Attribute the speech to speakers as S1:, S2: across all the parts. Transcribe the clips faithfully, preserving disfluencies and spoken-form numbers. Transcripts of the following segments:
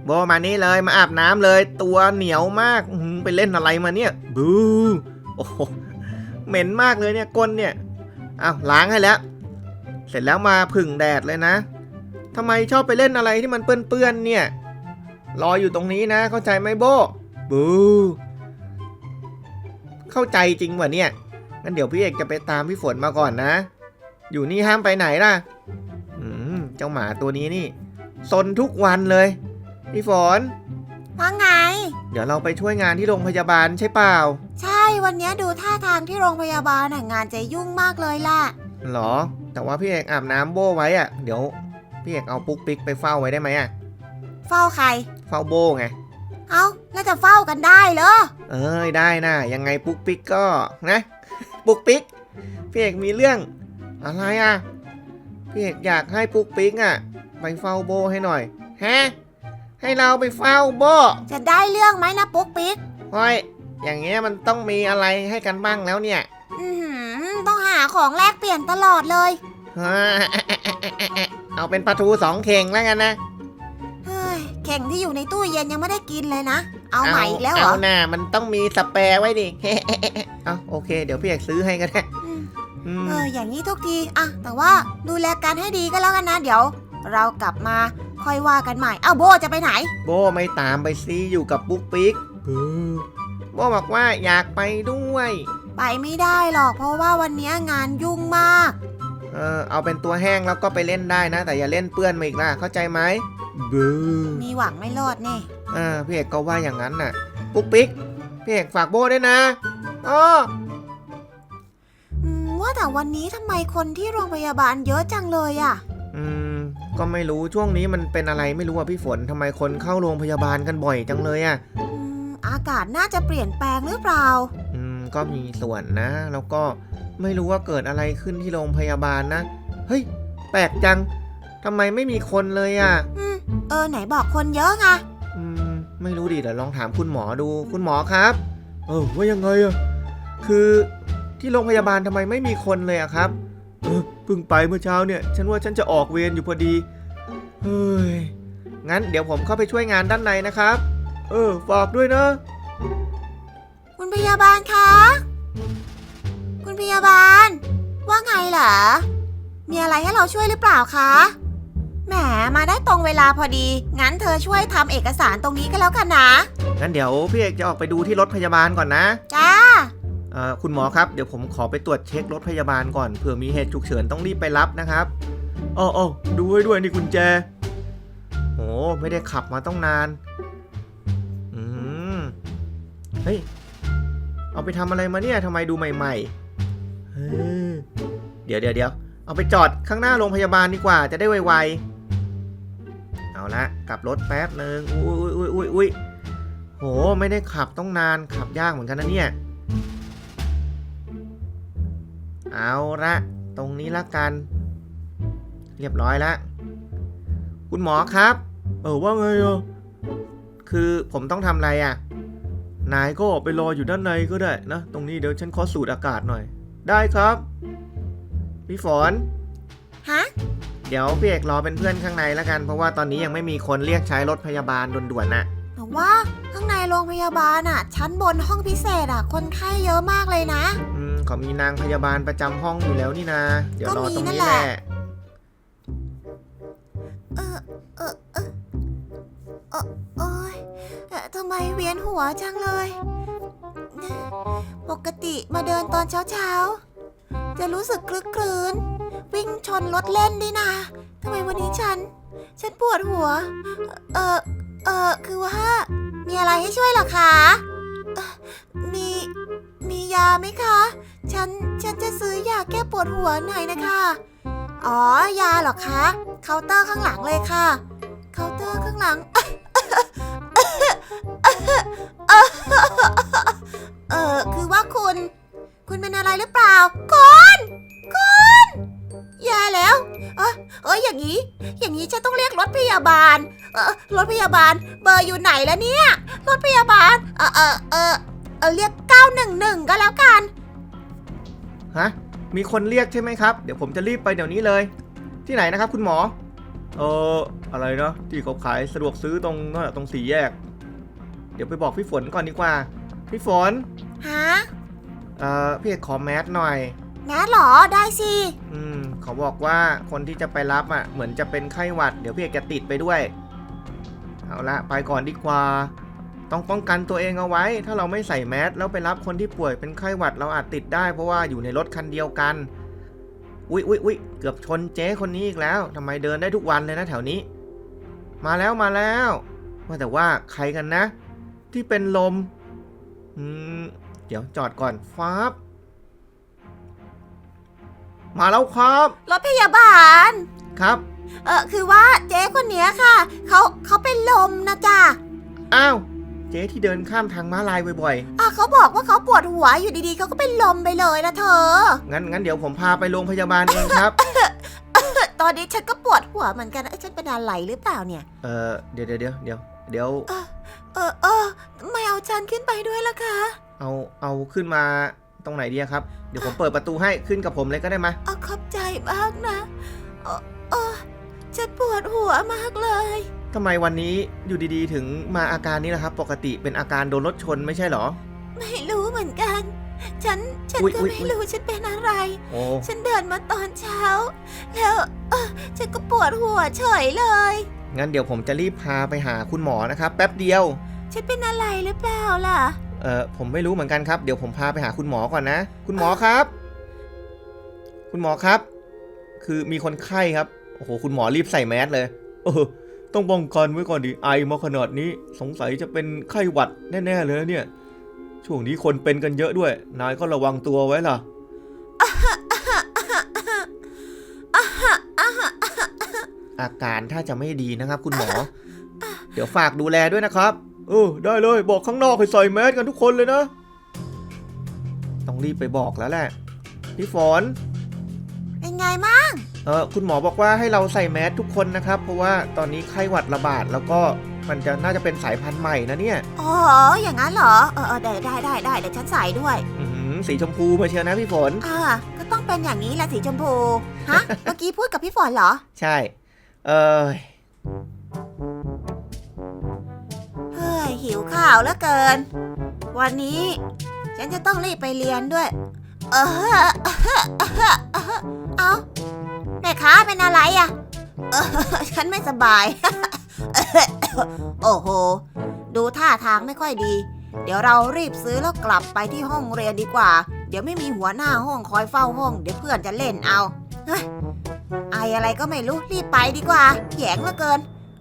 S1: โบมานี่เลยมาอาบน้ำเลยตัวเหนียวมากไปเล่นอะไรมาเนี่ยบูโอ้โหเหม็นมากเลยเนี่ยก้นเนี่ยอ้าวล้างให้แล้วเสร็จแล้วมาผึ่งแดดเลยนะทำไมชอบไปเล่นอะไรที่มันเปื้อนๆเนี่ยรออยู่ตรงนี้นะเข้าใจไหมโบบูเข้าใจจริงวะเนี่ยงั้นเดี๋ยวพี่เอกจะไปตามพี่ฝนมาก่อนนะอยู่นี่ห้ามไปไหนล่ะอืมเจ้าหมาตัวนี้นี่ซนทุกวันเลยพี่ฝน
S2: ว่าไง
S1: เดี๋ยวเราไปช่วยงานที่โรงพยาบาลใช่เปล่า
S2: ใช่วันนี้ดูท่าทางที่โรงพยาบาลงานจะยุ่งมากเลยล่ะ
S1: หรอแต่ว่าพี่เอกอาบน้ำโบไว้อะเดี๋ยวพี่เอกเอาปุ๊กปิ๊กไปเฝ้าไว้ได้ไหมอะ
S2: เฝ้าใคร
S1: เฝ้าโบไง
S2: เอาแล้วจะเฝ้ากันได้เหรอ
S1: เอ้ยได้นะยังไงปุ๊กปิ๊กก็นะปุ๊กปิ๊กพี่เอกมีเรื่องอะไรอะพี่เอกอยากให้ปุ๊กปิ๊กอะไปเฝ้าโบให้หน่อยฮะให้เราไปเฝ้าโบ
S2: จะได้เรื่องไหมนะปุ๊กปิ๊ก
S1: เฮ้ยอย่างเงี้ยมันต้องมีอะไรให้กันบ้างแล้วเนี่ย
S2: อือต้องหาของแลกเปลี่ยนตลอดเลย
S1: เอาเป็นปลาทูสองเข่งแล้วกันนะ
S2: เฮ้ยเข่งที่อยู่ในตู้เย็นยังไม่ได้กินเลยนะเอาใหม่อีกแล้วเหรอ
S1: เอาหน้ามันต้องมีสเปร์ไว้ดิเอาโอเคเดี๋ยวพี่เอกซื้อให้ก็ได้
S2: เอออย่างนี้ทุกทีอะแต่ว่าดูแลกันให้ดีก็แล้วกันนะเดี๋ยวเรากลับมาค่อยว่ากันใหม่เอ้าโบจะไปไหน
S1: โบไม่ตามไปซิอยู่กับปุ๊กปิ๊กโบบอกว่าอยากไปด้วย
S2: ไปไม่ได้หรอกเพราะว่าวันนี้งานยุ่งมาก
S1: เออเอาเป็นตัวแห้งแล้วก็ไปเล่นได้นะแต่อย่าเล่นเปื้อนมาอีกนะเข้าใจไหมบู
S2: มีหวังไม่รอดแน่
S1: เออพี่เอกก็ว่าอย่างนั้นน่ะปุ๊กปิ๊กพี่เอกฝากโบด้วยนะอ๋อ
S2: ว่าแต่วันนี้ทำไมคนที่โรงพยาบาลเยอะจังเลยอ่ะ
S1: อืมก็ไม่รู้ช่วงนี้มันเป็นอะไรไม่รู้อ่ะพี่ฝนทำไมคนเข้าโรงพยาบาลกันบ่อยจังเลยอ่ะ
S2: อืมอากาศน่าจะเปลี่ยนแปลงหรือเปล่า
S1: อืมก็มีส่วนนะแล้วก็ไม่รู้ว่าเกิดอะไรขึ้นที่โรงพยาบาลนะเฮ้ยแปลกจังทำไมไม่มีคนเลยอ่ะ
S2: อืมเออไหนบอกคนเยอะไง
S1: อืมไม่รู้ดิเดี๋ยวลองถามคุณหมอดูคุณหมอครับเออว่ายังไงอ่ะคือที่โรงพยาบาลทำไมไม่มีคนเลยอะครับเออเพิ่งไปเมื่อเช้าเนี่ยฉันว่าฉันจะออกเวรอยู่พอดีเฮ้ยงั้นเดี๋ยวผมเข้าไปช่วยงานด้านในนะครับเออฝากด้วยนะ
S2: คุณพยาบาลคะคุณพยาบาลว่าไงเหรอมีอะไรให้เราช่วยหรือเปล่าคะแหมมาได้ตรงเวลาพอดีงั้นเธอช่วยทำเอกสารตรงนี้ก็แล้วกันนะ
S1: งั้นเดี๋ยวพี่เอกจะออกไปดูที่รถพยาบาลก่อนนะ
S2: จ้า
S1: คุณหมอครับเดี๋ยวผมขอไปตรวจเช็ครถพยาบาลก่อนเผื่อมีเหตุฉุกเฉินต้องรีบไปรับนะครับอ๋อๆดูไว้ด้วยนี่กุญแจโอ้ไม่ได้ขับมาต้องนานอืมเฮ้ยเอาไปทำอะไรมาเนี่ยทำไมดูใหม่ๆเฮ้ยเดี๋ยวเดี๋ยวเดี๋ยวเอาไปจอดข้างหน้าโรงพยาบาลดีกว่าจะได้ไวๆเอาละกลับรถแป๊บนึงอุ้ยอุ้ยอุ้ยอุ้ยโหไม่ได้ขับต้องนานขับยากเหมือนกันนะเนี่ยเอาละตรงนี้ละกันเรียบร้อยแล้วคุณหมอครับเออว่าไงอ่ะคือผมต้องทำอะไรอ่ะนายก็ไปรออยู่ด้านในก็ได้นะตรงนี้เดี๋ยวฉันขอสูดอากาศหน่อยได้ครับพี่ฝน
S2: ฮะ
S1: เดี๋ยวพี่เอกรอเป็นเพื่อนข้างในแล้วกันเพราะว่าตอนนี้ยังไม่มีคนเรียกใช้รถพยาบาลด่วนๆน่ะ
S2: แต่ว่าข้างในโรงพยาบาลอ่ะชั้นบนห้องพิเศษอ่ะคนไข้เยอะมากเลยนะ
S1: อืมเขามีนางพยาบาลประจำห้องอยู่แล้วนี่นะเดี๋ยวรอตรงนี้แหละ
S2: เออเออเออเออโอ๊ยทำไมเวียนหัวจังเลยปกติมาเดินตอนเช้าๆจะรู้สึกคลึกครื้นวิ่งชนรถเล่นดินะทำไมวันนี้ฉันฉันปวดหัวเออเออคือว่ามีอะไรให้ช่วยหรอคะมีมียาไหมคะฉันฉันจะซื้อยาแก้ปวดหัวหน่อยนะคะอ๋อยาเหรอคะเคาน์เตอร์ข้างหลังเลยค่ะเคาน์เตอร์ข้างหลังเออคือว่าคุณคุณเป็นอะไรหรือเปล่าคุณคุณแย่แล้วเออเอออย่างนี้อย่างนี้ฉันต้องเรียกรถพยาบาลเออรถพยาบาลเบอร์อยู่ไหนแล้วเนี่ยรถพยาบาลเออเออเออเออเรียกเก้าหนึ่งหนึ่งก็แล้วกัน
S1: ฮะมีคนเรียกใช่ไหมครับเดี๋ยวผมจะรีบไปเดี๋ยวนี้เลยที่ไหนนะครับคุณหมอเอออะไรเนาะที่เขาขายสะดวกซื้อตรงนั่นตรงสี่แยกเดี๋ยวไปบอกพี่ฝนก่อนดีกว่าพี่ฝน
S2: ฮะ
S1: เอ่อพี่เอกขอแมสหน่อย
S2: แมสเหรอได้สิ
S1: อืมเขาบอกว่าคนที่จะไปรับอ่ะเหมือนจะเป็นไข้หวัดเดี๋ยวพี่เอกจะติดไปด้วยเอาละไปก่อนดีกว่าต้องป้องกันตัวเองเอาไว้ถ้าเราไม่ใส่แมสแล้วไปรับคนที่ป่วยเป็นไข้หวัดเราอาจติดได้เพราะว่าอยู่ในรถคันเดียวกันอุ๊ยอุ๊ยอุ๊ยเกือบชนเจ๊คนนี้อีกแล้วทำไมเดินได้ทุกวันเลยนะแถวนี้มาแล้วมาแล้วว่าแต่ว่าใครกันนะ ที่เป็นลมอืมเดี๋ยวจอดก่อนฟ้าบมาแล้วครับ
S2: รถพยาบาล
S1: ครับ
S2: เออคือว่าเจ๊คนเนี้ยค่ะเขาเขาเป็นลมนะจ๊ะ
S1: อ้าวเจ๊ที่เดินข้ามทางม้าลายบ่อย
S2: อ่ะเขาบอกว่าเขาปวดหัวอยู่ดีๆเขาก็เป็นลมไปเลยนะเธอ
S1: ๆงั้นงั้นเดี๋ยวผมพาไปโรงพยาบาลเองครับ
S2: ตอนนี้ฉันก็ปวดหัวเหมือนกันเอ้ยฉันเป็นอะไรหรือเปล่าเนี่ย
S1: เออเดี๋ยวเดี๋ยวเดี๋ยวเดี๋ยวเดี๋ยว
S2: เออเออไม่เอาฉันขึ้นไปด้วยล่ะคะ
S1: เอาเอาขึ้นมาตรงไหนดีครับเดี๋ยวผมเปิดประตูให้ขึ้นกับผมเลยก็ได้ไหม
S2: เอาขอบใจมากนะเออเออฉันปวดหัวมากเลย
S1: ทำไมวันนี้อยู่ดีๆถึงมาอาการนี้ล่ะครับ ปกติเป็นอาการโดนรถชนไม่ใช่เหรอ
S2: ไม่รู้เหมือนกัน ฉันฉัน
S1: อุ๊ย
S2: ก็
S1: อุ๊ย
S2: ไม่รู้ฉันเป็นอะไร
S1: โอ้
S2: ฉันเดินมาตอนเช้า แล้วเออฉันก็ปวดหัวเฉยเลย
S1: งั้นเดี๋ยวผมจะรีบพาไปหาคุณหมอนะครับแป๊บเดียว
S2: ฉันเป็นอะไรหรือเปล่าล่ะ
S1: เออผมไม่รู้เหมือนกันครับเดี๋ยวผมพาไปหาคุณหมอก่อนนะ คุณหมอครับ คุณหมอครับ คือมีคนไข้ครับโอ้โหคุณหมอรีบใส่แมสเลยเออต้องป้องกันไว้ก่อนดิไอมาขนาดนี้สงสัยจะเป็นไข้หวัดแน่ๆเลยนะเนี่ยช่วงนี้คนเป็นกันเยอะด้วยนายก็ระวังตัวไว้ล่ะอาการถ้าจะไม่ดีนะครับ คุณหมอ เดี๋ยวฝากดูแลด้วยนะครับเออได้เลยบอกข้างนอกให้ใส่แมสกันทุกคนเลยนะต้องรีบไปบอกแล้วแหละพี่ฝน
S2: เป็นไงมั่ง
S1: เออคุณหมอบอกว่าให้เราใส่แมสทุกคนนะครับเพราะว่าตอนนี้ไข้หวัดระบาดแล้วก็มันจะน่าจะเป็นสายพันธุ์ใหม่นะเนี่ย
S2: อ๋ออย่างนั้นเหรอเออเออได้ได้ได้ได้เดี๋ยวฉันใส่ด้วย
S1: อื้อหือสีชมพูมาเชียวนะพี่ฝน
S2: อ่าก็ต้องเป็นอย่างนี้แหละสีชมพูฮะ เมื่อกี้พูดกับพี่ฝนเหรอ
S1: ใช่เออ
S2: เฮ้ยหิวข้าวเหลือเกิน วันนี้ ฉันจะต้องรีบไปเรียนด้วย เออเอาแม่ค้าเป็นอะไรอ่ะเออฉันไม่สบาย โอ้โห ดูท่าทางไม่ค่อยดี เดี๋ยวเรารีบซื้อแล้วกลับไปที่ห้องเรียนดีกว่า เดี๋ยวไม่มีหัวหน้าห้องคอยเฝ้าห้อง เดี๋ยวเพื่อนจะเล่นเอาเฮ้ยไออะไรก็ไม่รู้รีบไปดีกว่าแหยงเหลือเกิน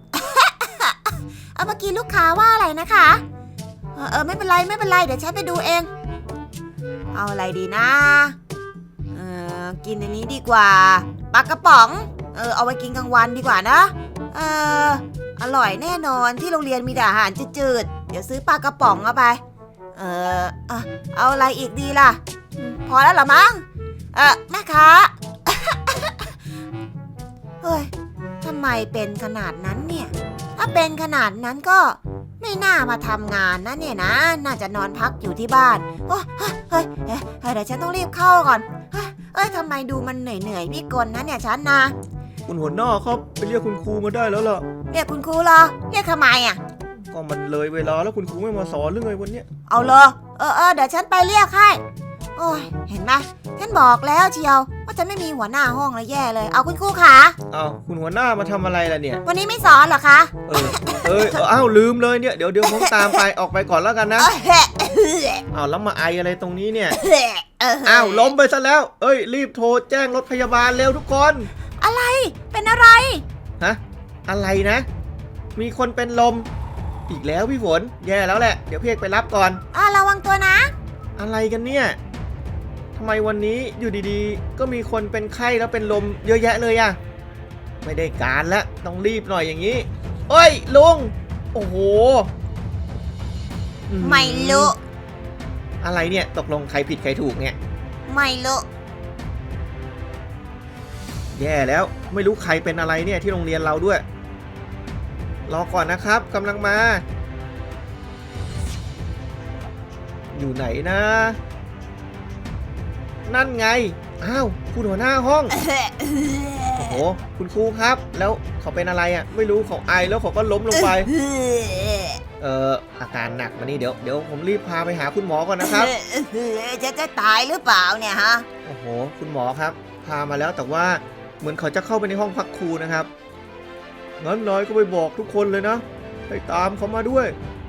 S2: เอาเมื่อกี้ลูกค้าว่าอะไรนะคะ เออเออไม่เป็นไรไม่เป็นไรเดี๋ยวฉันไปดูเอง เอาอะไรดีนะ เออกินอันนี้ดีกว่าปลากระป๋อง เออเอาไว้กินกลางวันดีกว่านะ เอออร่อยแน่นอนที่โรงเรียนมีแต่อาหารจืดๆเดี๋ยวซื้อปลากระป๋องเอาไป เอออะเอาอะไรอีกดีล่ะอืมพอแล้วเหรอมั้งเออแม่ค้า เฮ้ยทำไมเป็นขนาดนั้นเนี่ย ถ้าเป็นขนาดนั้นก็ไม่น่ามาทำงานนะเนี่ยนะ น่าจะนอนพักอยู่ที่บ้านโอ้เฮ้ยเฮ้ยเฮ้ยเฮ้ยเดี๋ยวฉันต้องรีบเข้าก่อน เฮ้ยเอ้ยทำไมดูมันเหนื่อยเหนื่อยๆพี่กลนะเนี่ยฉันนะ
S1: คุณหัวหน้าครับไปเรียกคุณครูมาได้แล้วล่ะ
S2: เรียกคุณครูเหรอ เรียกทำไมอ่ะ
S1: ก็มันเลยเวลาแล้วคุณครูไม่มาสอนเรื่องไงวันเนี้ย
S2: เอาเลยเออเออเดี๋ยวฉันไปเรียกให้ โอ้ยเห็นไหมฉันบอกแล้วเชียวว่าจะไม่มีหัวหน้าห้องแล้วแย่เลย เอาคุณครูขา
S1: อ้าวคุณหัวหน้ามาทำอะไรล่ะเนี่ย
S2: วันนี้ไม่สอนเหรอคะ
S1: เออเอยเอออ้าวลืมเลยเนี่ยเดี๋ยวเดี๋ยวผมตามไปออกไปก่อนแล้วกันนะ
S2: เอ้ยเฮ้ยเฮ้ย
S1: อ้าวแล้วมาไออะไรตรงนี้เนี่ย
S2: เฮ้ยเ
S1: อ้าวล้มไปซะแล้ว เอ้ยรีบโทรแจ้งรถพยาบาลเร็วทุกคน
S2: อะไรเป็นอะไร
S1: ฮะอะไรนะ มีคนเป็นลม อีกแล้วพี่ฝนแย่แล้วแหละเดี๋ยวพี่เอกไปรับก่อน
S2: อ่าระวังตัวนะ
S1: อะไรกันเนี่ยทำไมวันนี้อยู่ดีๆ ก็มีคนเป็นไข้แล้วเป็นลมเยอะแยะเลยอะไม่ได้การละต้องรีบหน่อยอย่างนี้เอ้ยลุงโอ้โหอื้อหือ
S2: ไม่รู้
S1: อะไรเนี่ยตกลงใครผิดใครถูกเนี่ย
S2: ไม่รู้
S1: แย่แล้วไม่รู้ใครเป็นอะไรเนี่ยที่โรงเรียนเราด้วยรอก่อนนะครับกำลังมา อยู่ไหนนะ นั่นไงอ้าวคุณหัวหน้าห้องโอ้โหโอ้คุณครูครับ แล้วเขาเป็นอะไรอ่ะไม่รู้เขาไอแล้วเขาก็ล้มลงไป เอ่ออาการหนักมานี่เดี๋ยวเดี๋ยวผมรีบพาไปหาคุณหมอก่อนนะครับ
S2: จะจะตายหรือเปล่าเนี่ยฮะ
S1: โอ้โหคุณหมอครับ พามาแล้วแต่ว่าเหมือนเขาจะเข้าไปในห้องพักครูนะครับงั้นนายก็ไปบอกทุกคนเลยนะให้ตามเขามาด้วย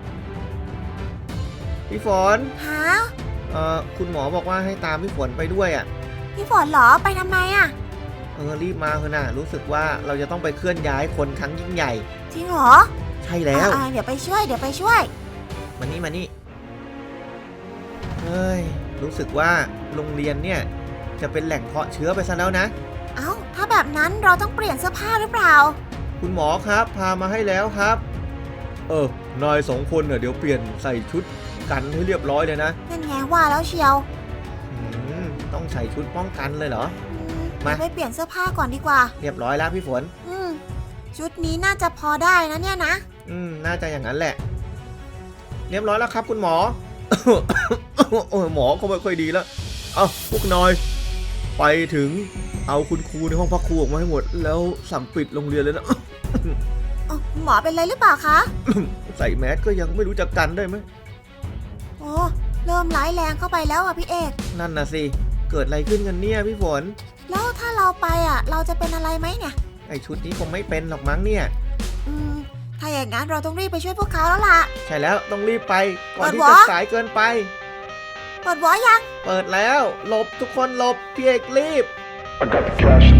S1: พี่ฝน
S2: ฮะ
S1: เอ่อคุณหมอบอกว่าให้ตามพี่ฝนไปด้วยอ่ะ
S2: พี่ฝนเหรอไปทำไมอะ
S1: เออรีบมาเถอะนะรู้สึกว่าเราจะต้องไปเคลื่อนย้ายคนครั้งยิ่งใหญ่
S2: จริงเหรอ
S1: ใช่แล้ว
S2: อ่าๆเดี๋ยวไปช่วยเดี๋ยวไปช่วย
S1: มานี่มานี่เฮ้ยรู้สึกว่าโรงเรียนเนี่ยจะเป็นแหล่งเพาะเชื้อไปซะแล้วนะ
S2: เอ้าถ้าแบบนั้นเราต้องเปลี่ยนเสื้อผ้าหรือเปล่า
S1: คุณหมอครับพามาให้แล้วครับ เออนายสองคนเนี่ยเดี๋ยวเปลี่ยนใส่ชุดกันให้เรียบร้อยเลยนะ
S2: นั่นไงว่าแล้วเชียว
S1: อืมต้องใส่ชุดป้องกันเลยเหรอ
S2: อืม
S1: มา
S2: เดี๋ยวไปเปลี่ยนเสื้อผ้าก่อนดีกว่า
S1: เรียบร้อยแล้วพี่ฝน
S2: อืมชุดนี้น่าจะพอได้นะเนี่ยนะ
S1: อืมน่าจะอย่างนั้นแหละ เรียบร้อยแล้วครับ คุณหมอ โอ้ยหมอก็ไม่ค่อยดีแล้วเอาพวกนายไปถึงเอาคุณครูในห้องพักครูออกมาให้หมด แล้วสั่งปิดโรงเรียนเลยนะ
S2: อ๋อหมอเป็นไรหรือเปล่าคะ
S1: ใส่แมสก็ยังไม่รู้จะกันได้ไหม
S2: โอ้เริ่มร้ายแรงเข้าไปแล้วอ่ะพี่เอก
S1: นั่นน่ะสิเกิดอะไรขึ้นกันเนี่ยพี่ฝน
S2: แล้วถ้าเราไปอ่ะ เราจะเป็นอะไรไหมเนี่ย
S1: ไอชุดนี้คงไม่เป็นหรอกมั้งเนี่ย
S2: อืม ถ้าอย่างนั้นเราต้องรีบไปช่วยพวกเขาแล้วล่ะ
S1: ใช่แล้วต้องรีบไปก่อนที่
S2: เปิดวะ
S1: จะสายเกินไป
S2: เปิดวอยัง
S1: เปิดแล้วหลบทุกคนหลบพี่เอกรีบ
S3: I got the cash